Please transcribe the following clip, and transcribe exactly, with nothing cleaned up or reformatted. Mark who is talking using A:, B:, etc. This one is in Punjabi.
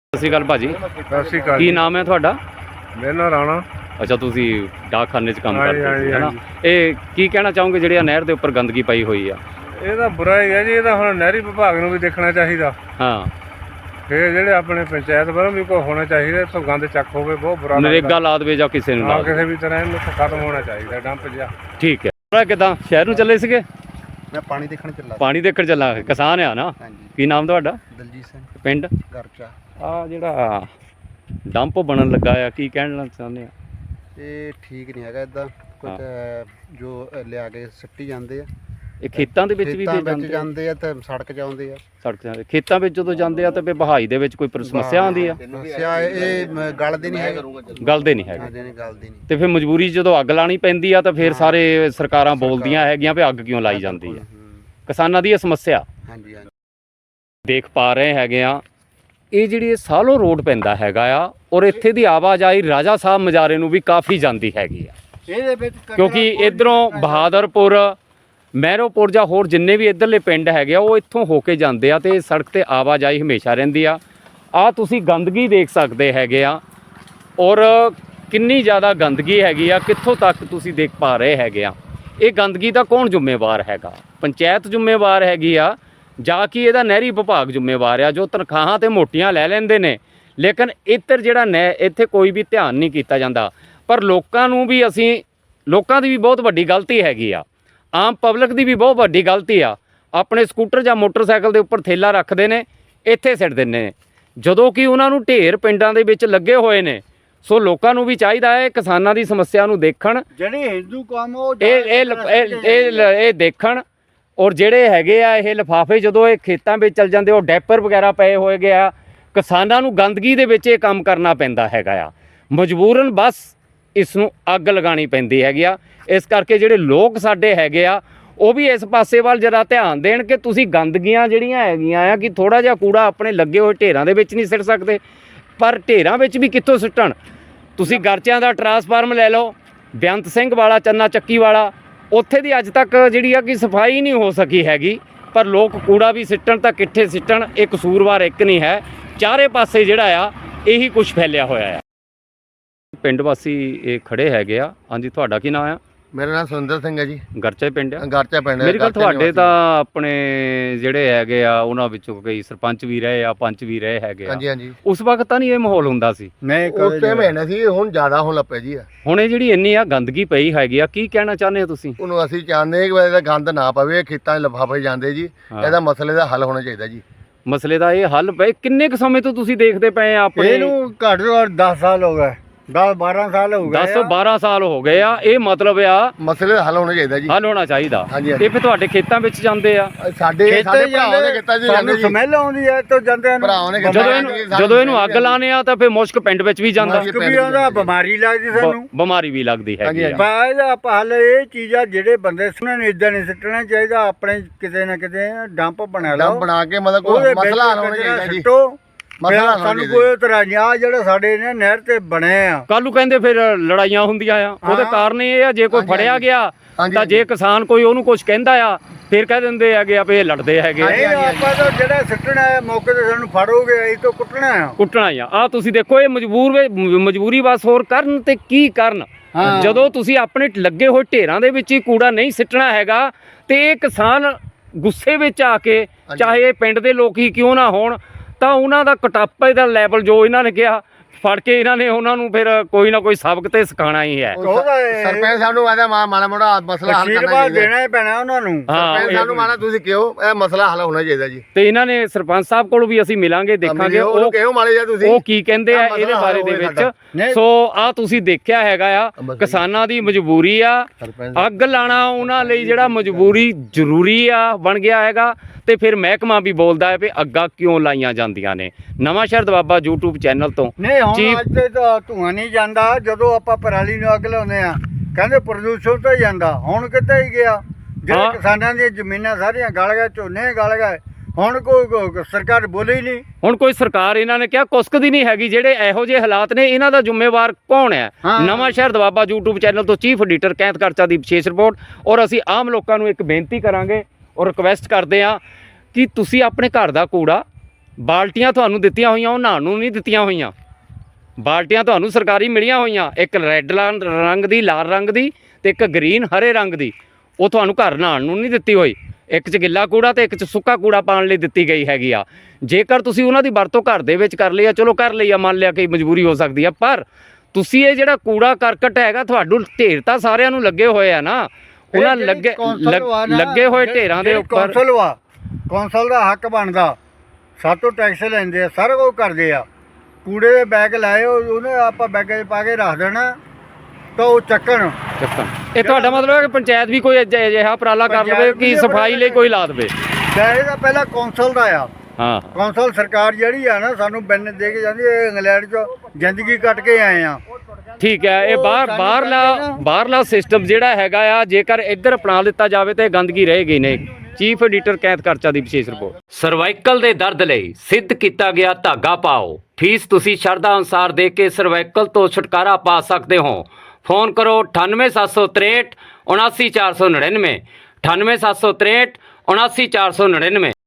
A: ਸਤਿ ਸ਼੍ਰੀ ਅਕਾਲ ਭਾਜੀ।
B: ਸਤਿ ਸ਼੍ਰੀ ਅਕਾਲ।
A: ਕੀ ਨਾਮ ਹੈ ਤੁਹਾਡਾ?
B: ਮੇਰਾ ਨਾਮ ਰਾਣਾ।
A: ਅੱਛਾ, ਤੁਸੀਂ ਡਾਕਖਾਨੇ 'ਚ ਕੰਮ
B: ਹਾਂਜੀ,
A: ਕਰਦੇ ਸੀ, ਹੈ ਨਾ?
B: ਹਾਂਜੀ।
A: ਇਹ ਕੀ ਕਹਿਣਾ ਚਾਹੋਗੇ ਜਿਹੜੀ ਆ ਨਹਿਰ ਦੇ ਉੱਪਰ ਗੰਦਗੀ ਪਈ ਹੋਈ ਆ?
B: ਇਹ ਤਾਂ ਬੁਰਾ ਹੀ ਹੈ ਜੀ, ਇਹ ਤਾਂ ਹੁਣ ਨਹਿਰੀ ਵਿਭਾਗ ਨੂੰ ਵੀ ਦੇਖਣਾ ਚਾਹੀਦਾ।
A: ਹਾਂ,
B: ਫਿਰ ਜਿਹੜੇ ਆਪਣੇ ਪੰਚਾਇਤ ਵੱਲੋਂ ਵੀ ਕੋਈ ਹੋਣਾ ਚਾਹੀਦਾ, ਇੱਥੋਂ ਗੰਦ ਚੱਕ ਹੋਵੇ, ਬਹੁਤ ਬੁਰਾ
A: ਨਰੇਗਾ ਲਾ ਦੇਵੇ ਜਾਂ ਕਿਸੇ ਨੂੰ ਲਾ
B: ਹਾਂ,
A: ਦੇਵੇ।
B: ਕਿਸੇ ਵੀ ਤਰ੍ਹਾਂ ਇਹਨੂੰ ਖਤਮ ਹੋਣਾ ਚਾਹੀਦਾ ਡੰਪ ਜਿਹਾ।
A: ਠੀਕ ਹੈ। ਥੋੜਾ ਕਿੱਦਾਂ ਸ਼ਹਿਰ ਨੂੰ ਚੱਲੇ ਸੀਗੇ?
C: ਮੈਂ ਪਾਣੀ ਦੇਖਣ ਚੱਲਾ।
A: ਪਾਣੀ ਦੇਖਣ ਚੱਲਾ। ਕਿਸਾਨ ਆ ਨਾ?
C: ਹਾਂਜੀ।
A: ਕੀ ਨਾਮ ਤੁਹਾਡਾ?
C: ਦਲਜੀਤ ਸਿੰਘ
A: ਪਿੰਡ?
C: ਗਰਚਾ।
A: ਆ ਜਿਹੜਾ ਡੰਪ ਬਣਨ ਲੱਗਾ ਆ, ਕੀ ਕਹਿਣਾ ਚਾਹੁੰਦੇ ਆ?
C: ਇਹ ਠੀਕ ਨਹੀਂ ਹੈਗਾ ਇਦਾਂ। ਕੁਝ ਜੋ ਲਿਆ ਕੇ ਸਿੱਟੀ ਜਾਂਦੇ ਆ,
A: ਇਹ ਖੇਤਾਂ ਦੇ ਵਿੱਚ ਵੀ
C: ਖੇਤਾਂ
A: ਫਿਰ
C: ਵਿੱਚ
A: ਜਾਂਦੇ ਆ?
C: ਜਾਂਦੇ ਆ ਤੇ ਸੜਕ 'ਚ ਆਉਂਦੇ ਆ।
A: ਸੜਕ ਜਾਂਦੇ ਖੇਤਾਂ ਵਿੱਚ ਜਦੋਂ ਜਾਂਦੇ ਆ ਤਾਂ ਫਿਰ ਬਹਾਈ ਦੇ ਵਿੱਚ ਕੋਈ ਪਰ- ਸਮੱਸਿਆ ਆਉਂਦੀ ਆ?
C: ਸਮੱਸਿਆ ਇਹ ਮ- ਗਲਦੀ ਨਹੀਂ ਹੈਗੀ।
A: ਗਲਦੇ ਨਹੀਂ ਹੈਗੇ
C: ਹਾਂਜੀ, ਨਹੀਂ ਗਲਦੀ ਨਹੀਂ।
A: ਤੇ ਫਿਰ ਮਜਬੂਰੀ 'ਚ ਜਦੋਂ ਅੱਗ ਲਾਣੀ ਪੈਂਦੀ ਆ ਤਾਂ ਫਿਰ ਸਾਰੇ ਸਰਕਾਰਾਂ ਬੋਲਦੀਆਂ ਹੈਗੀਆਂ ਵੀ ਅੱਗ ਕਿਉਂ ਲਾਈ ਜਾਂਦੀ ਆ। ਕਿਸਾਨਾਂ ਦੀ ਇਹ ਸਮੱਸਿਆ
C: ਹਾਂਜੀ ਹਾਂਜੀ
A: ਦੇਖ ਪਾ ਰਹੇ ਹੈਗੇ ਆ। ਇਹ ਜਿਹੜੀ ਇਹ ਸਾਲੋ ਰੋਡ ਪੈਂਦਾ ਹੈਗਾ ਆ, ਔਰ ਇੱਥੇ ਦੀ ਆਵਾਜਾਈ ਰਾਜਾ ਸਾਹਿਬ ਮਜਾਰੇ ਨੂੰ ਵੀ ਕਾਫੀ ਜਾਂਦੀ ਹੈਗੀ ਆ,
C: ਇਹਦੇ ਵਿੱਚ
A: ਕਿਉਂਕਿ ਇਧਰੋਂ ਬਹਾਦਰਪੁਰ, ਮਹਿਰੋਪੁਰ ਜਾਂ ਹੋਰ ਜਿੰਨੇ ਵੀ ਇੱਧਰਲੇ ਪਿੰਡ ਹੈਗੇ ਆ ਉਹ ਇੱਥੋਂ ਹੋ ਕੇ ਜਾਂਦੇ ਆ ਤੇ ਸੜਕ ਤੇ ਆਵਾਜਾਈ ਹਮੇਸ਼ਾ ਰਹਿੰਦੀ ਆ। ਆ ਤੁਸੀਂ ਗੰਦਗੀ ਦੇਖ ਸਕਦੇ ਹੈਗੇ ਆ, ਔਰ ਕਿੰਨੀ ਜ਼ਿਆਦਾ ਗੰਦਗੀ ਹੈਗੀ ਆ, ਕਿੱਥੋਂ ਤੱਕ ਤੁਸੀਂ ਦੇਖ ਪਾ ਰਹੇ ਹੈਗੇ ਆ। ਇਹ ਗੰਦਗੀ ਦਾ ਕੌਣ ਜ਼ਿੰਮੇਵਾਰ ਹੈਗਾ? ਪੰਚਾਇਤ ਜ਼ਿੰਮੇਵਾਰ ਹੈਗੀ ਆ ਜਾਂ ਕਿ ਇਹਦਾ ਨਹਿਰੀ ਵਿਭਾਗ ਜ਼ਿੰਮੇਵਾਰ ਆ, ਜੋ ਤਨਖਾਹਾਂ ਤੇ ਮੋਟੀਆਂ ਲੈ ਲੈਂਦੇ ਨੇ, ਲੇਕਿਨ ਇੱਧਰ ਜਿਹੜਾ ਨਹਿ ਇੱਥੇ ਕੋਈ ਵੀ ਧਿਆਨ ਨਹੀਂ ਕੀਤਾ ਜਾਂਦਾ। ਪਰ ਲੋਕਾਂ ਨੂੰ ਵੀ ਅਸੀਂ ਲੋਕਾਂ ਦੀ ਵੀ ਬਹੁਤ ਵੱਡੀ ਗਲਤੀ ਹੈਗੀ ਆ, ਆਮ ਪਬਲਿਕ ਦੀ ਵੀ ਬਹੁਤ ਵੱਡੀ ਗਲਤੀ ਆ। ਆਪਣੇ ਸਕੂਟਰ ਜਾਂ ਮੋਟਰਸਾਈਕਲ ਦੇ ਉੱਪਰ ਥੈਲਾ ਰੱਖਦੇ ਨੇ, ਇੱਥੇ ਸਿੱਟ ਦਿੰਦੇ ਨੇ, ਜਦੋਂ ਕਿ ਉਹਨਾਂ ਨੂੰ ਢੇਰ ਪਿੰਡਾਂ ਦੇ ਵਿੱਚ ਲੱਗੇ ਹੋਏ ਨੇ। ਸੋ ਲੋਕਾਂ ਨੂੰ ਵੀ ਚਾਹੀਦਾ ਹੈ ਕਿਸਾਨਾਂ ਦੀ ਸਮੱਸਿਆ ਨੂੰ ਦੇਖਣ,
C: ਜਿਹੜੇ ਹਿੰਦੂ ਕੰਮ ਉਹ
A: ਇਹ ਇਹ ਇਹ ਇਹ ਦੇਖਣ। ਔਰ ਜਿਹੜੇ ਹੈਗੇ ਆ ਇਹ ਲਿਫਾਫੇ ਜਦੋਂ ਇਹ ਖੇਤਾਂ ਵਿੱਚ ਚਲ ਜਾਂਦੇ, ਉਹ ਡੈਪਰ ਵਗੈਰਾ ਪਏ ਹੋਏ ਗਿਆ, ਕਿਸਾਨਾਂ ਨੂੰ ਗੰਦਗੀ ਦੇ ਵਿੱਚ ਇਹ ਕੰਮ ਕਰਨਾ ਪੈਂਦਾ ਹੈਗਾ ਆ, ਮਜਬੂਰਨ ਬਸ ਇਸ ਨੂੰ ਅੱਗ ਲਗਾਉਣੀ ਪੈਂਦੀ ਹੈਗੀ ਆ। ਇਸ ਕਰਕੇ ਜਿਹੜੇ ਲੋਕ ਸਾਡੇ ਹੈਗੇ ਆ ਉਹ ਵੀ ਇਸ ਪਾਸੇ ਵੱਲ ਜਰਾ ਧਿਆਨ ਦੇਣ ਕਿ ਤੁਸੀਂ ਗੰਦਗੀਆਂ ਜਿਹੜੀਆਂ ਹੈਗੀਆਂ ਆ ਕਿ ਥੋੜ੍ਹਾ ਜਿਹਾ ਕੂੜਾ ਆਪਣੇ ਲੱਗੇ ਹੋਏ ਢੇਰਾਂ ਦੇ ਵਿੱਚ ਨਹੀਂ ਸਿੱਟ ਸਕਦੇ, ਪਰ ਢੇਰਾਂ ਵਿੱਚ ਵੀ ਕਿੱਥੋਂ ਸਿੱਟਣ? ਤੁਸੀਂ ਗਰਚਿਆਂ ਦਾ ਟਰਾਂਸਫਾਰਮ ਲੈ ਲਓ, ਬੇਅੰਤ ਸਿੰਘ ਵਾਲਾ, ਚੰਨਾ ਚੱਕੀ ਵਾਲਾ, ਉੱਥੇ ਦੀ ਅੱਜ ਤੱਕ ਜਿਹੜੀ ਆ ਕਿ ਸਫਾਈ ਨਹੀਂ ਹੋ ਸਕੀ ਹੈਗੀ। ਪਰ ਲੋਕ ਕੂੜਾ ਵੀ ਸਿੱਟਣ ਤਾਂ ਕਿੱਥੇ ਸਿੱਟਣ? ਇਹ ਕਸੂਰਵਾਰ ਇੱਕ ਨਹੀਂ ਹੈ, ਚਾਰੇ ਪਾਸੇ ਜਿਹੜਾ ਆ ਇਹੀ ਕੁਝ ਫੈਲਿਆ ਹੋਇਆ ਆ। ਪਿੰਡ ਵਾਸੀ ਇਹ ਖੜੇ ਹੈਗੇ ਆ। ਹਾਂਜੀ, ਤੁਹਾਡਾ ਕੀ ਨਾਮ ਆ?
C: ਮੇਰਾ ਨਾਮ ਸੁਰਿੰਦਰ ਸਿੰਘ ਹੈ ਜੀ।
A: ਗਰਚਾ ਪਿੰਡ ਆ?
C: ਗਰਚਾ ਪਿੰਡ।
A: ਮੇਰੀ ਗੱਲ, ਤੁਹਾਡੇ ਤਾਂ ਆਪਣੇ ਜਿਹੜੇ ਹੈਗੇ ਆ ਉਹਨਾਂ ਵਿੱਚੋਂ ਕਈ ਸਰਪੰਚ ਵੀ ਰਹੇ ਆ, ਪੰਚ ਵੀ ਰਹੇ ਹੈਗੇ ਆ।
C: ਹਾਂਜੀ ਹਾਂਜੀ।
A: ਉਸ ਵਕਤ ਤਾਂ ਨਹੀਂ ਇਹ ਮਾਹੌਲ ਹੁੰਦਾ ਸੀ?
C: ਨਹੀਂ, ਉਸ ਟਾਈਮ ਹੈ ਨਾ ਸੀ, ਹੁਣ ਜ਼ਿਆਦਾ ਹੋਣ ਲੱਪਿਆ ਜੀ।
A: ਹੁਣ ਇਹ ਜਿਹੜੀ ਇੰਨੀ ਆ ਗੰਦਗੀ ਪਈ ਹੈਗੀ ਆ, ਕੀ ਕਹਿਣਾ ਚਾਹੁੰਦੇ ਹੋ ਤੁਸੀਂ?
C: ਉਹਨੂੰ ਅਸੀਂ ਚਾਹੁੰਦੇ ਕਿ ਇਹਦਾ ਗੰਦ ਨਾ ਪਵੇ, ਖੇਤਾਂ 'ਚ ਲਿਫਾਫੇ ਜਾਂਦੇ ਜੀ। ਇਹਦਾ ਮਸਲੇ ਦਾ ਹੱਲ ਹੋਣਾ ਚਾਹੀਦਾ ਜੀ।
A: ਮਸਲੇ ਦਾ ਇਹ ਹੱਲ ਪਏ ਕਿੰਨੇ ਕੁ ਸਮੇਂ ਤੋਂ ਤੁਸੀਂ ਦੇਖਦੇ ਪਏ ਆ? ਆਪਣੇ
C: ਇਹਨੂੰ ਘੱਟ ਤੋਂ ਘੱਟ ਦਸ ਸਾਲ ਹੋ ਗਏ, ਦਸ ਬਾਰਾਂ ਸਾਲ ਹੋ ਗਏ।
A: ਦਸ ਬਾਰਾਂ ਸਾਲ ਹੋ ਗਏ ਆ। ਇਹ ਮਤਲਬ ਆ
C: ਮਸਲੇ ਦਾ ਹੱਲ ਹੋਣਾ ਚਾਹੀਦਾ ਜੀ।
A: ਹੱਲ ਹੋਣਾ ਚਾਹੀਦਾ।
C: ਹਾਂਜੀ,
A: ਇਹ ਫਿਰ ਤੁਹਾਡੇ ਖੇਤਾਂ ਵਿੱਚ ਜਾਂਦੇ ਆ?
C: ਸਾਡੇ ਸਾਡੇ ਭਰਾਵਾਂ ਦੇ ਖੇਤਾਂ 'ਚ ਜਾਂਦੇ ਜੀ।
D: ਸਮੈਲ ਆਉਂਦੀ ਹੈ ਤਾਂ ਜਾਂਦੇ ਨੇ
C: ਭਰਾਵਾਂ ਨੇ
A: ਜਦੋਂ ਇਹਨੂੰ ਜਦੋਂ ਇਹਨੂੰ ਅੱਗ ਲਾਣੇ ਆ ਤਾਂ ਫਿਰ ਮੁਸ਼ਕ ਪਿੰਡ ਵਿੱਚ ਵੀ ਜਾਂਦਾ,
D: ਮੁਸ਼ਕ ਵੀ ਆਉਂਦਾ, ਬਿਮਾਰੀ ਲੱਗਦੀ ਸਾਨੂੰ,
A: ਬਿਮਾਰੀ ਵੀ ਲੱਗਦੀ ਹੈਗੀ ਆ।
D: ਬਾਅਦ ਆਪਾਂ ਹੱਲ ਇਹ ਚੀਜ਼ਾਂ ਜਿਹੜੇ ਬੰਦੇ ਸੁਣਨ ਨੂੰ ਇਦਾਂ ਨਹੀਂ ਸਿੱਟਣਾ ਚਾਹੀਦਾ, ਆਪਣੇ ਕਿਤੇ ਨਾ ਕਿਤੇ ਡੰਪ ਬਣਾ ਲਓ,
C: ਡੰਪ ਬਣਾ ਕੇ ਮਤਲਬ ਕੋਈ ਮਸਲਾ ਹੱਲ ਹੋਣਾ ਚਾਹੀਦਾ ਜੀ।
D: ਮਸਲਾ ਸਾਨੂੰ ਕੋਈ ਤਰ੍ਹਾਂ ਨਹੀਂ। ਆ ਜਿਹੜੇ ਸਾਡੇ ਨੇ ਨਹਿਰ ਤੇ ਬਣੇ ਆ,
A: ਕੱਲ ਨੂੰ ਕਹਿੰਦੇ ਫਿਰ ਲੜਾਈਆਂ ਹੁੰਦੀਆਂ ਆ, ਉਹਦੇ ਕਾਰਨ ਇਹ ਆ ਜੇ ਕੋਈ ਫੜਿਆ ਗਿਆ ਤਾਂ ਜੇ ਕਿਸਾਨ ਕੋਈ ਉਹਨੂੰ ਕੁਝ ਕਹਿੰਦਾ ਆ ਫਿਰ ਕਹਿ ਦਿੰਦੇ ਹੈਗੇ ਆ ਵੀ ਇਹ ਲੜਦੇ ਹੈਗੇ ਆ।
D: ਇਹ ਆਪਾਂ ਤਾਂ ਜਿਹੜਾ ਸਿੱਟਣਾ ਹੈ ਮੌਕੇ ਤੇ ਸਾਨੂੰ ਫੜੋਗੇ ਅਸੀਂ ਤਾਂ ਕੁੱਟਣਾ ਆ
A: ਕੁੱਟਣਾ ਆ। ਆ ਤੁਸੀਂ ਦੇਖੋ, ਇਹ ਮਜਬੂਰ ਮਜਬੂਰੀ ਬਸ ਹੋਰ ਕਰਨ ਤੇ ਕੀ ਕਰਨ? ਜਦੋਂ ਤੁਸੀਂ ਆਪਣੇ ਲੱਗੇ ਹੋਏ ਢੇਰਾਂ ਦੇ ਵਿੱਚ ਹੀ ਕੂੜਾ ਨਹੀਂ ਸਿੱਟਣਾ ਹੈਗਾ ਤੇ ਇਹ ਕਿਸਾਨ ਗੁੱਸੇ ਵਿੱਚ ਆ ਕੇ, ਚਾਹੇ ਇਹ ਪਿੰਡ ਦੇ ਲੋਕ ਹੀ ਕਿਉਂ ਨਾ ਹੋਣ, ਤਾਂ ਉਹਨਾਂ ਦਾ ਕਟਾਪੇ ਦਾ ਲੈਵਲ ਜੋ ਇਹਨਾਂ ਨੇ ਕਿਹਾ, ਫੜ ਕੇ ਇਹਨਾਂ ਨੇ ਉਹਨਾਂ ਨੂੰ ਫਿਰ ਕੋਈ ਨਾ ਕੋਈ ਸਬਕ ਤੇ ਸਿਖਾਉਣਾ ਹੀ ਹੈ।
C: ਸਰਪੰਚ ਸਾਹਿਬ ਨੂੰ ਆਦਾ ਮਾੜਾ ਮੋੜਾ ਮਸਲਾ ਹੱਲ ਕਰਨਾ ਚਾਹੀਦਾ,
D: ਦੇਣਾ ਹੀ ਪੈਣਾ ਉਹਨਾਂ ਨੂੰ।
C: ਸਰਪੰਚ ਸਾਹਿਬ ਨੂੰ ਮਾਣਾ ਤੁਸੀਂ ਕਿਉਂ ਇਹ ਮਸਲਾ ਹੱਲ ਹੋਣਾ ਚਾਹੀਦਾ ਜੀ।
A: ਤੇ ਇਹਨਾਂ ਨੇ ਸਰਪੰਚ ਸਾਹਿਬ ਕੋਲ ਵੀ ਅਸੀਂ ਮਿਲਾਂਗੇ, ਦੇਖਾਂਗੇ ਉਹ
C: ਕਿਉਂ ਮਾਰੇ ਜਾ ਤੁਸੀਂ,
A: ਉਹ ਕੀ ਕਹਿੰਦੇ ਆ ਇਹਦੇ ਬਾਰੇ ਦੇ ਵਿੱਚ। ਸੋ ਆ ਤੁਸੀਂ ਦੇਖਿਆ ਹੈਗਾ ਆ, ਕਿਸਾਨਾਂ ਦੀ ਮਜਬੂਰੀ ਆ, ਅੱਗ ਲਾਣਾ ਉਹਨਾਂ ਲਈ ਜਿਹੜਾ ਮਜਬੂਰੀ ਜ਼ਰੂਰੀ ਆ ਬਣ ਗਿਆ ਹੈਗਾ। ਤੇ ਫਿਰ ਮਹਿਕਮਾ ਵੀ ਬੋਲਦਾ ਹੈ ਵੀ ਅੱਗਾਂ ਕਿਉਂ ਲਾਈਆਂ ਜਾਂਦੀਆਂ ਨੇ। ਨਵਾਂ ਸ਼ਹਿਰ ਦਵਾਬਾ YouTube ਚੈਨਲ ਤੋਂ।
D: ਨਹੀਂ, ਹੁਣ ਅੱਜ ਤੇ ਤਾਂ ਧੂਆਂ ਨਹੀਂ ਜਾਂਦਾ। ਜਦੋਂ ਆਪਾਂ ਪਰਾਲੀ ਨੂੰ ਅੱਗ ਲਾਉਂਦੇ ਆ ਕਹਿੰਦੇ ਪ੍ਰਦੂਸ਼ਣ ਤਾਂ ਜਾਂਦਾ, ਹੁਣ ਕਿੱਥੇ ਹੀ ਗਿਆ? ਜਿਹੜੇ ਕਿਸਾਨਾਂ ਦੀਆਂ ਜ਼ਮੀਨਾਂ ਸਾਰੀਆਂ ਗਲ ਗਏ, ਝੋਨੇ ਗਲ ਗਏ, ਹੁਣ ਕੋਈ ਸਰਕਾਰ ਬੋਲੇ ਹੀ ਨਹੀਂ।
A: ਹੁਣ ਕੋਈ ਸਰਕਾਰ ਇਹਨਾਂ ਨੇ ਕਿਹਾ ਕੁਸਕਦੀ ਨਹੀਂ ਹੈਗੀ। ਜਿਹੜੇ ਇਹੋ ਜਿਹੇ ਹਾਲਾਤ ਨੇ ਇਹਨਾਂ ਦਾ ਜ਼ਿੰਮੇਵਾਰ ਕੌਣ ਹੈ? Nawanshahr Doaba YouTube channel ਤੋਂ ਚੀਫ ਐਡੀਟਰ ਕੈਂਥ ਕਰਚਾ ਦੀ ਵਿਸ਼ੇਸ਼ ਰਿਪੋਰਟ। ਔਰ ਅਸੀਂ ਆਮ ਲੋਕਾਂ ਨੂੰ ਇੱਕ ਬੇਨਤੀ ਕਰਾਂਗੇ ਔਰ ਰਿਕਵੈਸਟ ਕਰਦੇ ਹਾਂ ਕਿ ਤੁਸੀਂ ਆਪਣੇ ਘਰ ਦਾ ਕੂੜਾ ਬਾਲਟੀਆਂ ਤੁਹਾਨੂੰ ਦਿੱਤੀਆਂ ਹੋਈਆਂ, ਉਹ ਨਹਾਉਣ ਨੂੰ ਨਹੀਂ ਦਿੱਤੀਆਂ ਹੋਈਆਂ। ਬਾਲਟੀਆਂ ਤੁਹਾਨੂੰ ਸਰਕਾਰੀ ਮਿਲੀਆਂ ਹੋਈਆਂ, ਇੱਕ ਰੈੱਡ ਰੰਗ ਦੀ, ਲਾਲ ਰੰਗ ਦੀ ਤੇ ਇੱਕ ਗ੍ਰੀਨ ਹਰੇ ਰੰਗ ਦੀ। ਉਹ ਤੁਹਾਨੂੰ ਘਰ ਨਹਾਉਣ ਨੂੰ ਨਹੀਂ ਦਿੱਤੀ ਹੋਈ। ਇੱਕ 'ਚ ਗਿੱਲਾ ਕੂੜਾ ਤੇ ਇੱਕ 'ਚ ਸੁੱਕਾ ਕੂੜਾ ਪਾਉਣ ਲਈ ਦਿੱਤੀ ਗਈ ਹੈਗੀ ਆ। ਜੇਕਰ ਤੁਸੀਂ ਉਹਨਾਂ ਦੀ ਵਰਤੋਂ ਘਰ ਦੇ ਵਿੱਚ ਕਰ ਲਈ ਆ, ਚਲੋ ਕਰ ਲਈ ਆ, ਮੰਨ ਲਿਆ ਕਿ ਮਜਬੂਰੀ ਹੋ ਸਕਦੀ ਆ, ਪਰ ਤੁਸੀਂ ਇਹ ਜਿਹੜਾ ਕੂੜਾ ਕਰਕਟ ਹੈਗਾ, ਤੁਹਾਨੂੰ ਢੇਰ ਤਾਂ ਸਾਰਿਆਂ ਨੂੰ ਲੱਗੇ ਹੋਏ ਆ ਨਾ, ਉਹਨਾਂ ਲੱਗੇ ਲੱਗ- ਲੱਗੇ ਹੋਏ ਢੇਰਾਂ ਦੇ ਉੱਪਰ
D: ਕੌਂਸਲ ਵਾ, ਕੌਂਸਲ ਦਾ ਹੱਕ ਬਣਦਾ, ਸਾਤੋਂ ਟੈਕਸ ਲੈਂਦੇ ਆ, ਸਾਰਾ ਕੁਝ ਕਰਦੇ ਆ। ਕੂੜੇ ਦੇ ਬੈਗ ਲਾਏ, ਉਹ- ਉਹਨੇ ਆਪਾਂ ਬੈਗਾਂ 'ਚ ਪਾ ਕੇ ਰੱਖ ਦੇਣਾ ਤਾਂ ਉਹ ਚੱਕਣ।
A: ਚੱਕਣ। ਇਹ ਤੁਹਾਡਾ ਮਤਲਬ ਹੈ ਕਿ ਪੰਚਾਇਤ ਵੀ ਕੋਈ ਅਜਿ- ਅਜਿਹਾ ਉਪਰਾਲਾ ਕਰ ਲਵੇ ਕਿ ਸਫਾਈ ਲਈ ਕੋਈ ਲਾ ਦੇਵੇ।
D: ਇਹ ਤਾਂ ਪਹਿਲਾਂ ਕੌਂਸਲ ਦਾ ਆ।
A: ਹਾਂ,
D: ਕੌਂਸਲ ਸਰਕਾਰ ਜਿਹੜੀ ਆ ਨਾ, ਸਾਨੂੰ ਬਿੱਲ ਦੇ ਕੇ ਜਾਂਦੀ ਹੈ। ਇੰਗਲੈਂਡ 'ਚ ਜ਼ਿੰਦਗੀ ਕੱਟ ਕੇ ਆਏ ਆ।
A: ਠੀਕ ਹੈ। ਇਹ
D: ਉਹ
A: ਬਾਹਰ
D: ਸਾਨੂੰ
A: ਬਾਹਰਲਾ
D: ਕਹਿੰਦੇ ਨਾ-
A: ਬਾਹਰਲਾ ਸਿਸਟਮ ਜਿਹੜਾ ਹੈਗਾ ਆ, ਜੇਕਰ ਇੱਧਰ ਅਪਣਾ ਲਿੱਤਾ ਜਾਵੇ ਤਾਂ ਇਹ ਗੰਦਗੀ ਰਹੇਗੀ ਨਹੀਂ। ਚੀਫ ਐਡੀਟਰ ਕੈਂਥ ਕਰਚਾ ਦੀ ਵਿਸ਼ੇਸ਼ ਰਿਪੋਰਟ। ਸਰਵਾਈਕਲ ਦੇ ਦਰਦ ਲਈ ਸਿੱਧ ਕੀਤਾ ਗਿਆ ਧਾਗਾ ਪਾਓ। ਫੀਸ ਤੁਸੀਂ ਸ਼ਰਧਾ ਅਨੁਸਾਰ ਦੇ ਕੇ ਸਰਵਾਈਕਲ ਤੋਂ ਛੁਟਕਾਰਾ ਪਾ ਸਕਦੇ ਹੋ। ਫੋਨ ਕਰੋ ਅਠਾਨਵੇਂ ਸੱਤ ਸੌ ਤ੍ਰੇਹਠ ਉਨਾਸੀ ਚਾਰ ਸੌ ਨੜਿਨਵੇਂ, ਅਠਾਨਵੇਂ ਸੱਤ ਸੌ ਤ੍ਰੇਹਠ ਉਨਾਸੀ ਚਾਰ ਸੌ ਨੜਿਨਵੇਂ।